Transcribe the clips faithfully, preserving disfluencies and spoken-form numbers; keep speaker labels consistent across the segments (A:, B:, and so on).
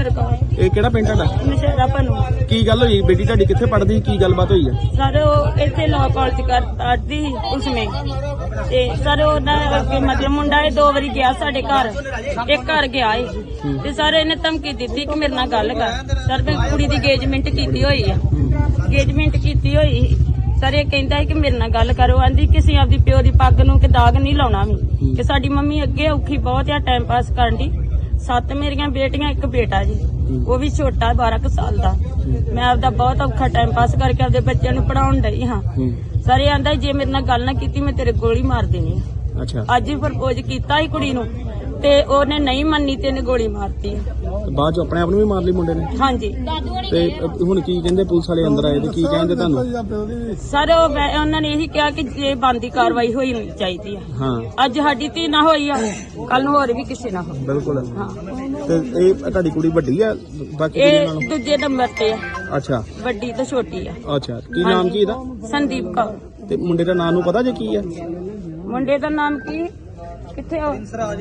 A: ਰੁਪਿੰਦਰ ਕੌਰ।
B: ਇਹ ਕਿਹੜਾ ਪਿੰਡ ਤੁਹਾਡਾ?
A: ਨਸ਼ਹਿਰਾ ਭਨੂ।
B: ਕੀ ਗੱਲ ਹੋਈ? ਬੇਟੀ ਤੁਹਾਡੀ ਕਿੱਥੇ ਪੜ੍ਹਦੀ? ਕੀ ਗੱਲਬਾਤ ਹੋਈ ਹੈ?
A: ਸਰ ਉਹ ਇੱਥੇ ਲਾਅ ਕਾਲਜ ਕਰ ਪੜ੍ਹਦੀ ਸੀ ਉਸਮੇ ਤੇ ਸਰ ਉਹਦਾ ਅੱਗੇ ਮਤਲਬ ਮੁੰਡਾ ਇਹ ਦੋ ਵਾਰੀ ਗਿਆ ਸਾਡੇ ਘਰ, ਇੱਕ ਘਰ ਗਿਆ ਏ ਤੇ ਸਰ ਇਹਨੇ ਧਮਕੀ ਦਿੱਤੀ ਕਿ ਮੇਰੇ ਨਾਲ ਗੱਲ ਕਰ। ਸਰ ਮੈਂ ਕੁੜੀ ਦੀ engagement ਕੀਤੀ ਹੋਈ ਆ, engagement ਕੀਤੀ ਹੋਈ ਸਰ ਇਹ ਕਹਿੰਦਾ ਹੈ ਕਿ ਮੇਰੇ ਨਾਲ ਗੱਲ ਕਰੋ। ਆਂਦੀ ਕਿਸੇ ਆਪਦੀ ਪਿਓ ਦੀ ਪੱਗ ਨੂੰ ਕਿ ਦਾਗ ਨਹੀਂ ਲਾਉਣਾ ਵੀ ਕਿ ਸਾਡੀ ਮੰਮੀ ਅੱਗੇ ਔਖੀ ਬਹੁਤ ਆ ਟਾਈਮ ਪਾਸ ਕਰਨ ਦੀ। ਸੱਤ ਮੇਰੀਆਂ ਬੇਟੀਆਂ, ਇੱਕ ਬੇਟਾ ਜੀ, ਉਹ ਵੀ ਛੋਟਾ ਬਾਰਾਂ ਕੁ ਸਾਲ ਦਾ। ਮੈਂ ਆਪਦਾ ਬਹੁਤ ਔਖਾ ਟਾਈਮ ਪਾਸ ਕਰਕੇ ਆਪਦੇ ਬੱਚਿਆਂ ਨੂੰ ਪੜਾਉਣ ਡਈ ਹਾਂ। ਸਰ ਇਹ ਆਂਦਾ ਜੇ ਮੇਰੇ ਨਾਲ ਗੱਲ ਨਾ ਕੀਤੀ ਮੈਂ ਤੇਰੇ ਗੋਲੀ ਮਾਰ ਦੇਣੀ ਆ।
B: ਅੱਛਾ।
A: ਅੱਜ ਹੀ ਪ੍ਰਪੋਜ਼ ਕੀਤਾ ਸੀ ਕੁੜੀ ਨੂੰ ਤੇ ਉਹਨੇ ਨਹੀਂ ਮੰਨੀ ਤੇ ਇਹਨੇ ਗੋਲੀ ਮਾਰਤੀ।
B: ਬਾਅਦ ਚ ਆਪਣੇ ਆਪ ਨੂੰ ਵੀ ਮਾਰ ਲਈ ਮੁੰਡੇ ਨੇ?
A: ਹਾਂਜੀ।
B: ਤੇ ਹੁਣ ਕੀ ਕਹਿੰਦੇ ਪੁਲਿਸ ਵਾਲੇ ਅੰਦਰ ਆਏ ਤੇ ਕੀ ਕਹਿੰਦੇ ਤੁਹਾਨੂੰ?
A: ਸਰ ਉਹ ਉਹਨਾਂ ਨੇ ਇਹੀ ਕਿਹਾ ਕਿ ਜੇ ਬਣਦੀ ਕਾਰਵਾਈ ਹੋਈ ਹੋਣੀ ਚਾਹੀਦੀ ਆ।
B: ਹਾਂ।
A: ਅੱਜ ਸਾਡੀ ਧੀ ਨਾ ਹੋਈ ਆ, ਕੱਲ ਨੂੰ ਹੋਰ ਵੀ ਕਿਸੇ ਨਾ ਹੋਵੇ।
B: ਬਿਲਕੁਲ।
A: ਹਾਂ।
B: ਤੇ ਇਹ ਤੁਹਾਡੀ ਕੁੜੀ ਵੱਡੀ ਆ ਬਾਕੀ ਕੁੜੀਆਂ
A: ਇਹ
B: ਨਾਲੋਂ?
A: ਦੂਜੇ ਨੰਬਰ ਤੇ ਆ।
B: ਅੱਛਾ।
A: ਵੱਡੀ ਤੇ ਛੋਟੀ ਆ।
B: ਅੱਛਾ। ਕੀ ਨਾਮ ਕੀ ਇਹਦਾ?
A: ਸੰਦੀਪ ਕੌਰ।
B: ਤੇ ਮੁੰਡੇ ਦਾ ਨਾਮ ਨੂੰ ਪਤਾ ਜੇ ਕੀ ਆ?
A: ਮੁੰਡੇ ਦਾ ਨਾਮ ਕੀ? ਕਿੱਥੇ ਆ?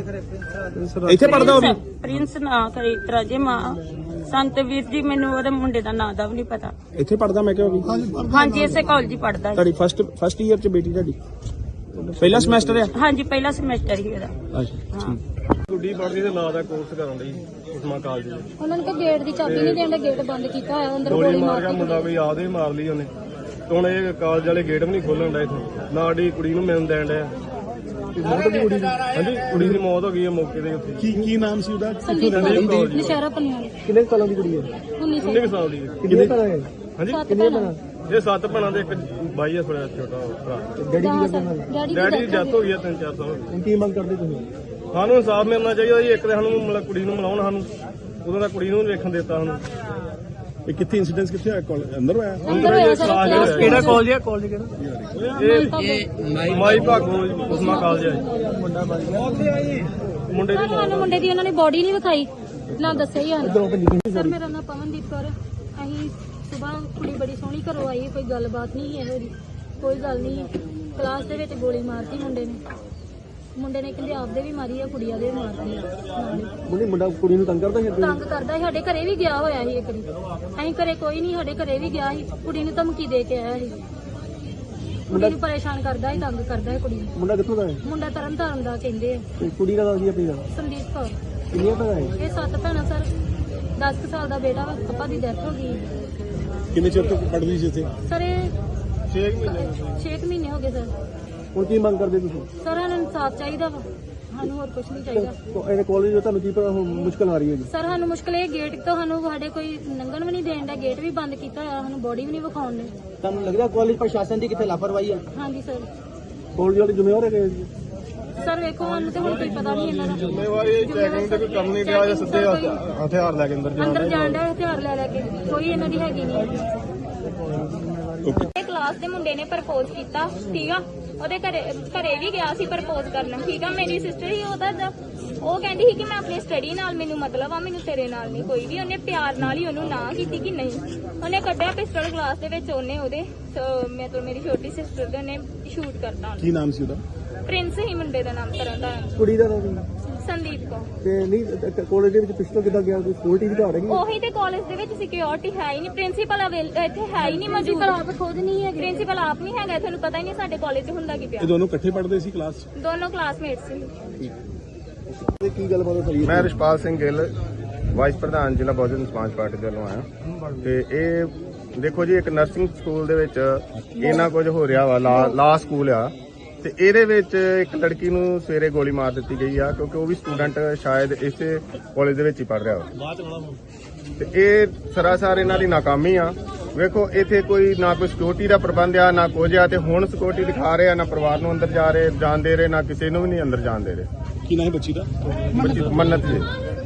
B: ਇੱਥੇ ਪੜਦਾ ਉਹ ਵੀ?
A: ਪ੍ਰਿੰਸ ਨਾ ਕਰੀ ਤਰਾ ਜੇ ਮਾਂ ਸੰਤ ਵੀਰ ਜੀ, ਮੈਨੂੰ ਉਹਦੇ ਮੁੰਡੇ ਦਾ ਨਾਂ ਦਾ ਵੀ ਨਹੀਂ ਪਤਾ।
B: ਇੱਥੇ ਪੜਦਾ ਮੈਂ ਕਿਹਾ ਉਹ ਵੀ?
A: ਹਾਂਜੀ, ਇਸੇ ਕਾਲਜ ਹੀ ਪੜਦਾ।
B: ਤੁਹਾਡੀ ਫਸਟ ਫਸਟ ਈਅਰ ਚ ਬੇਟੀ ਤੁਹਾਡੀ? ਪਹਿਲਾ ਸਮੈਸਟਰ ਆ?
A: ਹਾਂਜੀ, ਪਹਿਲਾ ਸਮੈਸਟਰ ਹੀ ਇਹਦਾ।
B: ਅੱਛਾ ਠੀਕ।
C: ਗੁੱਡੀ ਪੜ੍ਹਦੀ ਤੇ ਨਾਂ ਦਾ ਕੋਰਸ ਕਰਨ ਲਈ ਉਸਮਾ ਕਾਲਜ ਦੇ।
D: ਉਹਨਾਂ ਨੇ ਕਿ ਗੇਟ ਦੀ ਚਾਬੀ ਨਹੀਂ ਦੇਣ, ਗੇਟ ਬੰਦ ਕੀਤਾ ਹੋਇਆ, ਅੰਦਰ
C: ਗੋਲੀ
D: ਗੋਲੀ
C: ਮਾਰ
D: ਮਾਰ
C: ਗਿਆ
D: ਦਿੱਤੀ।
C: ਮੁੰਡਾ, ਕੋਈ ਆਦੇ ਮਾਰ ਲਈ ਉਹਨੇ। ਤੇ ਹੁਣ ਇਹ ਕਾਲਜ ਵਾਲੇ ਗੇਟ ਵੀ ਨਹੀਂ ਖੋਲਣ ਡਏ ਇੱਥੇ, ਨਾ ਸਾਡੀ ਕੁੜੀ ਨੂੰ ਮਿਲਣ ਦੇਣ ਡਿਆ। ਮੌਤ ਦੀ ਕੁੜੀ ਦੀ? ਹਾਂਜੀ, ਕੁੜੀ ਦੀ ਮੌਤ ਹੋ ਗਈ ਹੈ ਮੌਕੇ ਦੇ ਉੱਤੇ।
B: ਕੀ ਕੀ ਨਾਮ ਸੀ ਉਹਦਾ?
D: ਸੰਦੀਪ ਕੌਰ, ਨਸ਼ਹਿਰਾ ਪੰਨੂ।
B: ਕਿੰਨੇ ਸਾਲਾਂ ਦੀ ਕੁੜੀ ਹੈ?
D: ਉੱਨੀ
C: ਉੱਨੀ ਕੁ ਸਾਲ ਦੀ ਹੈ।
B: ਕਿੰਨੇ ਭਰਾ ਹੈ?
C: ਹਾਂਜੀ,
D: ਕਿੰਨੇ ਭੈਣਾਂ?
C: ਇਹ ਸੱਤ ਭੈਣਾਂ ਦੇ ਇੱਕ ਬਾਈ ਆ, ਥੋੜਾ ਛੋਟਾ ਭਰਾ।
B: ਡੈਡੀ ਕੀ ਕਰਦੇ ਨਾਲ?
D: ਡੈਡੀ
C: ਡੈਡੀ
D: ਦੀ
C: ਦੀ ਡੈਥ ਹੋ ਗਈ ਆ ਤਿੰਨ ਚਾਰ ਸਾਲ।
B: ਹੁਣ ਕੀ ਮੰਗ ਕਰਦੇ ਤੁਸੀਂ?
C: ਸਾਨੂੰ ਇਨਸਾਫ ਮਿਲਣਾ ਚਾਹੀਦਾ ਜੀ। ਇੱਕ ਤੇ ਸਾਨੂੰ ਮਤਲਬ ਕੁੜੀ ਨੂੰ ਮਿਲਾਉਣ, ਸਾਨੂੰ ਉਦੋਂ ਦਾ ਕੁੜੀ ਨੂੰ ਵੇਖਣ ਦਿੱਤਾ ਸਾਨੂੰ।
B: ਇਹ ਕਿੱਥੇ ਇਨਸੀਡੈਂਟ ਕਿੱਥੇ ਹੋਇਆ? ਕਾਲਜ ਅੰਦਰ ਹੋਇਆ?
D: ਅੰਦਰ ਹੋਇਆ ਸਰ।
C: ਕਿਹੜਾ ਕਾਲਜ ਹੈ? ਕਾਲਜ ਕਿਹੜਾ? ਇਹ ਮਾਈ ਭਾਗੋ ਉਸਮਾ ਕਾਲਜ ਹੈ। ਮੁੰਡੇ ਦੀ
D: ਸਾਨੂੰ ਮੁੰਡੇ ਦੀ ਉਹਨਾਂ ਨੇ ਬੋਡੀ ਨਹੀਂ ਵਿਖਾਈ, ਨਾ ਦੱਸਿਆ ਹੀ ਹਨ। ਸਰ ਮੇਰਾ ਨਾਮ ਪਵਨਦੀਪ ਕੌਰ। ਅਸੀਂ ਸਵੇਰ ਕੁੜੀ ਬੜੀ ਸੋਹਣੀ ਘਰੋਂ ਆਈ, ਕੋਈ ਗੱਲਬਾਤ ਨਹੀਂ ਇਹੋ ਜਿਹੀ, ਕੋਈ ਗੱਲ ਨਹੀਂ। ਕਲਾਸ ਦੇ ਵਿੱਚ ਗੋਲੀ ਮਾਰਤੀ ਮੁੰਡੇ ਨੇ। ਮੁੰਡੇ ਨੇ ਕਹਿੰਦੇ ਆਪਦੇ ਵੀ ਮਾਰੀ ਆ, ਕੁੜੀ ਵਾਲੇ ਵੀ ਮਾਰਤੀ ਆ।
B: ਮੁੰਡੇ ਮੁੰਡਾ ਕੁੜੀ ਨੂੰ ਤੰਗ ਕਰਦਾ ਸੀ?
D: ਤੰਗ ਕਰਦਾ ਸੀ, ਸਾਡੇ ਘਰੇ ਵੀ ਗਿਆ ਹੋਇਆ ਸੀ ਇੱਕ ਵਾਰੀ। ਅਸੀਂ ਘਰੇ ਕੋਈ ਨਹੀਂ, ਸਾਡੇ ਘਰੇ ਵੀ ਗਿਆ ਸੀ, ਕੁੜੀ ਨੂੰ ਧਮਕੀ ਦੇ ਕੇ ਆਇਆ ਸੀ। ਕੁੜੀ ਨੂੰ ਪਰੇਸ਼ਾਨ ਕਰਦਾ ਸੀ, ਤੰਗ ਕਰਦਾ ਸੀ ਕੁੜੀ ਨੂੰ।
B: ਮੁੰਡਾ ਕਿੱਥੋਂ ਦਾ ਹੈ?
D: ਮੁੰਡਾ ਤਰਨ ਤਾਰਨ ਦਾ ਕਹਿੰਦੇ ਆ।
B: ਤੇ ਕੁੜੀ ਦਾ ਨਾਮ ਕੀ ਹੈ ਆਪਣੀ ਦਾ?
D: ਸੰਦੀਪ ਕੌਰ।
B: ਕਿੰਨੀਆਂ ਭੈਣਾਂ ਹੈ?
D: ਇਹ ਸੱਤ ਭੈਣਾਂ ਸਰ। ਦਸ ਕੁ ਸਾਲ ਦਾ ਬੇਟਾ ਵਾ, ਪਾਪਾ ਦੀ ਡੈਥ ਹੋ ਗਈ।
B: ਕਿੰਨੇ ਚਿਰ ਤੋਂ ਪੜ੍ਹਦੀ ਸੀ ਇੱਥੇ?
D: ਸਰ ਇਹ
C: ਛੇ ਮਹੀਨੇ
D: ਛੇ ਕੁ ਮਹੀਨੇ ਹੋ ਗਏ ਸਰ।
B: ਹੁਣ ਕੀ ਮੰਗ ਕਰਦੇ ਤੁਸੀਂ?
D: ਸਰ ਸਾਨੂੰ ਇਨਸਾਫ ਚਾਹੀਦਾ ਵਾ, ਸਾਨੂੰ ਹੋਰ ਕੁਝ ਨਹੀਂ ਚਾਹੀਦਾ।
B: ਇਹਨੇ ਕਾਲਜ ਤੁਹਾਨੂੰ ਕੀ ਪਤਾ ਹੁਣ ਮੁਸ਼ਕਲ ਆ ਰਹੀ ਹੈ ਜੀ?
D: ਸਰ ਸਾਨੂੰ ਮੁਸ਼ਕਲ ਇਹ ਗੇਟ ਤੋਂ ਸਾਨੂੰ ਸਾਡੇ ਕੋਈ ਲੰਘਣ ਵੀ ਨਹੀਂ ਦੇਣ ਦਾ, ਗੇਟ ਵੀ ਬੰਦ ਕੀਤਾ ਹੋਇਆ, ਸਾਨੂੰ ਬੋਡੀ ਵੀ ਨਹੀਂ ਵਿਖਾਉਣ ਦੇ।
B: ਤੁਹਾਨੂੰ ਲੱਗਦਾ ਕਾਲਜ ਪ੍ਰਸ਼ਾਸਨ ਦੀ ਕਿੱਥੇ ਲਾਪਰਵਾਹੀ ਹੈ?
D: ਹਾਂਜੀ ਸਰ।
B: ਕਾਲਜ ਵਾਲੇ ਜ਼ਿੰਮੇਵਾਰ ਹੈਗੇ ਜੀ?
D: ਸਰ ਵੇਖੋ ਸਾਨੂੰ ਤੇ ਹੁਣ ਕੋਈ ਪਤਾ ਨਹੀਂ ਇਹਨਾਂ ਦਾ।
C: ਜ਼ਿੰਮੇਵਾਰੀ ਚੈਕਿੰਗ ਤੇ ਕੋਈ ਕੰਮ ਨਹੀਂ ਰਿਹਾ ਜਾਂ ਸਿੱਧੇ ਹਥਿਆਰ ਲੈ ਕੇ ਅੰਦਰ ਜਾਣ
D: ਅੰਦਰ ਜਾਣ ਦਾ ਹਥਿਆਰ ਲੈ ਲੈ ਕੇ, ਕੋਈ ਇਹਨਾਂ ਦੀ ਹੈਗੀ ਨਹੀਂ।
E: ਇਹ ਕਲਾਸ ਦੇ ਮੁੰਡੇ ਨੇ ਪ੍ਰਪੋਜ਼ ਕੀਤਾ, ਠੀਕ ਆ। ਉਹਦੇ ਘਰੇ ਘਰੇ ਵੀ ਗਿਆ ਸੀ ਪ੍ਰਪੋਜ਼ ਕਰਨ, ਠੀਕ ਆ। ਮੇਰੀ ਸਿਸਟਰ ਹੀ ਉਹਦਾ ਉਹ ਕਹਿੰਦੀ ਸੀ ਕਿ ਮੈਂ ਆਪਣੀ ਸਟੱਡੀ ਨਾਲ ਮੈਨੂੰ ਮਤਲਬ ਆ, ਮੈਨੂੰ ਤੇਰੇ ਨਾਲ ਨਹੀਂ ਕੋਈ ਵੀ। ਉਹਨੇ ਪਿਆਰ ਨਾਲ ਹੀ ਉਹਨੂੰ ਨਾ ਕੀਤੀ ਕਿ ਨਹੀਂ। ਉਹਨੇ ਕੱਢਿਆ ਪਿਸਟਲ ਕਲਾਸ ਦੇ ਵਿੱਚ, ਉਹਨੇ ਉਹਦੇ ਮਤਲਬ ਮੇਰੀ ਛੋਟੀ ਸਿਸਟਰ ਦੇ ਉਹਨੇ ਸ਼ੂਟ ਕਰਤਾ।
B: ਕੀ ਨਾਮ ਸੀ ਉਹਦਾ?
E: ਪ੍ਰਿੰਸ ਹੀ ਮੁੰਡੇ ਦਾ ਨਾਮ, ਤਰਨ ਦਾ
B: ਕੁੜੀ ਦਾ ਨਾਮ?
E: ਸੰਦੀਪ ਕੌਰ।
B: ਤੇ ਨਹੀਂ ਕਾਲਜ ਦੇ ਵਿੱਚ ਪਿਸਟਲ ਕਿੱਦਾਂ ਗਿਆ? ਕੋਈ ਸਕਿਉਰਟੀ ਦੀ ਘਾਟ ਹੈਗੀ?
E: ਉਹੀ ਤੇ ਕਾਲਜ ਦੇ ਵਿੱਚ ਸਿਕਿਉਰਿਟੀ ਹੈ ਹੀ ਨਹੀਂ, ਪ੍ਰਿੰਸੀਪਲ ਇੱਥੇ ਹੈ ਹੀ ਨਹੀਂ ਮੌਜੂਦ।
D: ਆਪ ਖੁਦ ਨਹੀਂ ਹੈਗੇ,
E: ਪ੍ਰਿੰਸੀਪਲ ਆਪ ਨਹੀਂ ਹੈਗਾ, ਤੁਹਾਨੂੰ ਪਤਾ ਹੀ ਨਹੀਂ ਸਾਡੇ ਕਾਲਜ 'ਚ ਹੁੰਦਾ ਕੀ ਪਿਆ।
B: ਇਹ ਦੋਨੋਂ ਇਕੱਠੇ ਪੜ੍ਹਦੇ ਸੀ ਕਲਾਸ 'ਚ?
E: ਦੋਨੋਂ ਕਲਾਸਮੇਟਸ ਸੀ।
B: ਤੇ ਕੀ ਗੱਲਬਾਤ ਹੋਈ?
F: ਮੈਂ ਰਿਸ਼ਪਾਲ ਸਿੰਘ ਗਿੱਲ, ਵਾਈਸ ਪ੍ਰਧਾਨ ਜ਼ਿਲ੍ਹਾ ਬਹੁਜਨ ਸਮਾਜ ਪਾਰਟੀ ਦੇ ਵੱਲੋਂ ਆਇਆ। ਤੇ ਇਹ ਦੇਖੋ ਜੀ, ਇੱਕ ਨਰਸਿੰਗ ਸਕੂਲ ਦੇ ਵਿੱਚ ਇੰਨਾ ਕੁਝ ਹੋ ਰਿਹਾ ਵਾ, ਲਾ ਸਕੂਲ ਆ, ਤੇ ਇਹਦੇ ਵਿੱਚ ਇੱਕ ਲੜਕੀ ਨੂੰ ਸਵੇਰੇ ਗੋਲੀ ਮਾਰ ਦਿੱਤੀ ਗਈ ਆ, ਕਿਉਂਕਿ ਉਹ ਵੀ ਸਟੂਡੈਂਟ ਸ਼ਾਇਦ ਇਸੇ ਕਾਲਜ ਦੇ ਵਿੱਚ ਹੀ ਪੜ੍ਹ ਰਿਹਾ ਵਾ। ਤੇ ਇਹ ਸਰਾਸਰ ਇਹਨਾਂ ਦੀ ਨਾਕਾਮੀ ਆ। ਵੇਖੋ ਇੱਥੇ ਕੋਈ ਨਾ ਕੋਈ ਸਿਕਿਉਰਿਟੀ ਦਾ ਪ੍ਰਬੰਧ ਆ, ਨਾ ਕੁਝ ਆ। ਤੇ ਹੁਣ ਸਿਕਿਉਰਿਟੀ ਦਿਖਾ ਰਹੇ ਆ, ਨਾ ਪਰਿਵਾਰ ਨੂੰ ਅੰਦਰ ਜਾ ਰਹੇ ਜਾਣ ਦੇ ਰਹੇ, ਨਾ ਕਿਸੇ ਨੂੰ ਵੀ ਨਹੀਂ ਅੰਦਰ ਜਾਣ ਦੇ ਰਹੇ।
B: ਕੀ ਨਾਮ ਹੈ ਬੱਚੀ ਦਾ?
F: ਬੱਚੀ ਮੰਨਤ ਜੀ,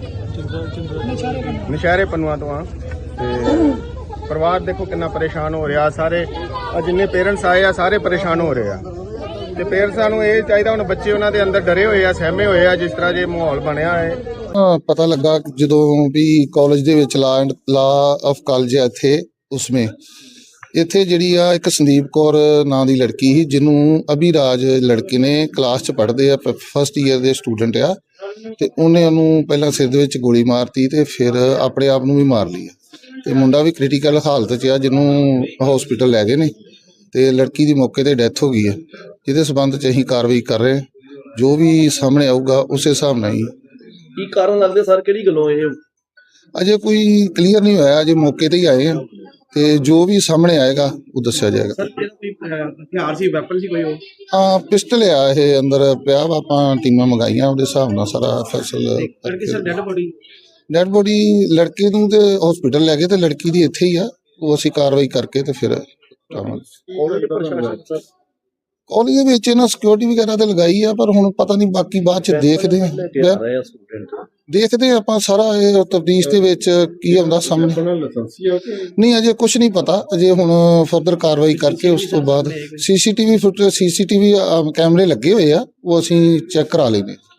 F: ਨਸ਼ਹਿਰੇ ਪੰਨੂਆਂ ਤੋਂ ਆ। ਤੇ ਪਰਿਵਾਰ ਦੇਖੋ ਕਿੰਨਾ ਪਰੇਸ਼ਾਨ ਹੋ ਰਿਹਾ। ਸਾਰੇ ਜਿੰਨੇ ਪੇਰੈਂਟਸ ਆਏ ਆ ਸਾਰੇ ਪਰੇਸ਼ਾਨ ਹੋ ਰਹੇ ਆ। ਤੇ ਪੇਰੈਂਟਸਾਂ ਨੂੰ ਇਹ ਚਾਹੀਦਾ, ਹੁਣ ਬੱਚੇ ਉਹਨਾਂ ਦੇ ਅੰਦਰ ਡਰੇ ਹੋਏ ਆ, ਸਹਿਮੇ ਹੋਏ ਆ, ਜਿਸ ਤਰ੍ਹਾਂ ਜੇ ਮਾਹੌਲ ਬਣਿਆ ਹੈ।
G: ਪਤਾ ਲੱਗਾ ਜਦੋਂ ਵੀ ਕਾਲਜ ਦੇ ਵਿੱਚ law and law of college ਹੈ ਇੱਥੇ, ਉਸਮੇ ਇੱਥੇ ਜਿਹੜੀ ਆ ਇੱਕ ਸੰਦੀਪ ਕੌਰ ਨਾਂ ਦੀ ਲੜਕੀ ਸੀ, ਜਿਹਨੂੰ ਅਭਿਰਾਜ ਲੜਕੇ ਨੇ ਕਲਾਸ 'ਚ ਪੜ੍ਹਦੇ ਆ, ਫਸਟ ਈਅਰ ਦੇ ਸਟੂਡੈਂਟ ਆ। ਤੇ ਉਹਨੇ ਉਹਨੂੰ ਪਹਿਲਾਂ ਸਿਰ ਦੇ ਵਿੱਚ ਗੋਲੀ ਮਾਰਤੀ ਤੇ ਫਿਰ ਆਪਣੇ ਆਪ ਨੂੰ ਵੀ ਮਾਰ ਲਿਆ ਤੇ ਮੁੰਡਾ ਵੀ ਕ੍ਰਿਟੀਕਲ ਹਾਲਤ 'ਚ ਆ, ਜਿਹਨੂੰ ਹਸਪੀਟਲ ਲੈ ਗਏ ਨੇ ਤੇ ਲੜਕੀ ਦੀ ਮੌਕੇ ਤੇ ਡੈਥ ਹੋ ਗਈ ਹੈ, ਜਿਹਦੇ ਸਬੰਧ 'ਚ ਅਸੀਂ ਕਾਰਵਾਈ ਕਰ ਰਹੇ ਹਾਂ। ਜੋ ਵੀ ਸਾਹਮਣੇ ਆਊਗਾ ਉਸੇ ਹਿਸਾਬ ਨਾਲ ਹੀ।
B: ਕੀ ਕਾਰਨ ਲੱਗਦੇ ਸਰ, ਕਿਹੜੀ ਗੱਲੋਂ ਇਹ?
G: ਅਜੇ ਕੋਈ ਕਲੀਅਰ ਨਹੀਂ ਹੋਇਆ, ਅਜੇ ਮੌਕੇ ਤੇ ਹੀ ਆਏ ਹਾਂ ਤੇ ਜੋ ਵੀ ਸਾਹਮਣੇ ਆਏਗਾ ਉਹ ਦੱਸਿਆ ਜਾਏਗਾ।
B: ਸਰ ਕਿਹੜਾ ਕੋਈ ਹਥਿਆਰ ਸੀ, ਵੈਪਨ ਸੀ ਕੋਈ? ਉਹ
G: ਹਾਂ ਪਿਸਟਲ ਆ, ਇਹ ਅੰਦਰ ਪਿਆ ਵਾ, ਆਪਾਂ ਟੀਮਾਂ ਮੰਗਾਈਆਂ, ਉਹਦੇ ਹਿਸਾਬ ਨਾਲ ਸਾਰਾ ਫੈਸਲਾ।
B: ਲੜਕੀ sir dead body?
G: Dead body ਲੜਕੇ ਨੂੰ ਤੇ ਹਸਪੀਟਲ ਲੈ ਗਏ ਤੇ ਲੜਕੀ ਦੀ ਇੱਥੇ ਹੀ ਆ, ਉਹ ਅਸੀਂ ਕਾਰਵਾਈ ਕਰਕੇ ਤੇ ਫਿਰ ਕਾਲਜ ਦੇ ਵਿੱਚ ਇਹਨਾਂ ਸਿਕਿਉਰਿਟੀ ਵਗੈਰਾ ਤੇ ਲਗਾਈ ਆ, ਪਰ ਹੁਣ ਪਤਾ ਨਹੀਂ ਬਾਕੀ ਬਾਅਦ ਚ ਦੇਖਦੇ ਆ ਦੇਖਦੇ ਆ ਆਪਾਂ ਸਾਰਾ ਇਹ ਤਫਤੀਸ਼ ਦੇ ਵਿੱਚ ਕੀ ਆਉਂਦਾ ਸਾਹਮਣੇ। ਨਹੀਂ ਅਜੇ ਕੁਝ ਨਹੀਂ ਪਤਾ, ਅਜੇ ਹੁਣ ਫਰਦਰ ਕਾਰਵਾਈ ਕਰਕੇ ਉਸ ਤੋਂ ਬਾਅਦ ਸੀਸੀਟੀਵੀ ਫੁਟੇਜ ਸੀਸੀਟੀਵੀ ਕੈਮਰੇ ਲੱਗੇ ਹੋਏ ਆ, ਉਹ ਅਸੀਂ ਚੈੱਕ ਕਰਾ ਲੈਂਦੇ।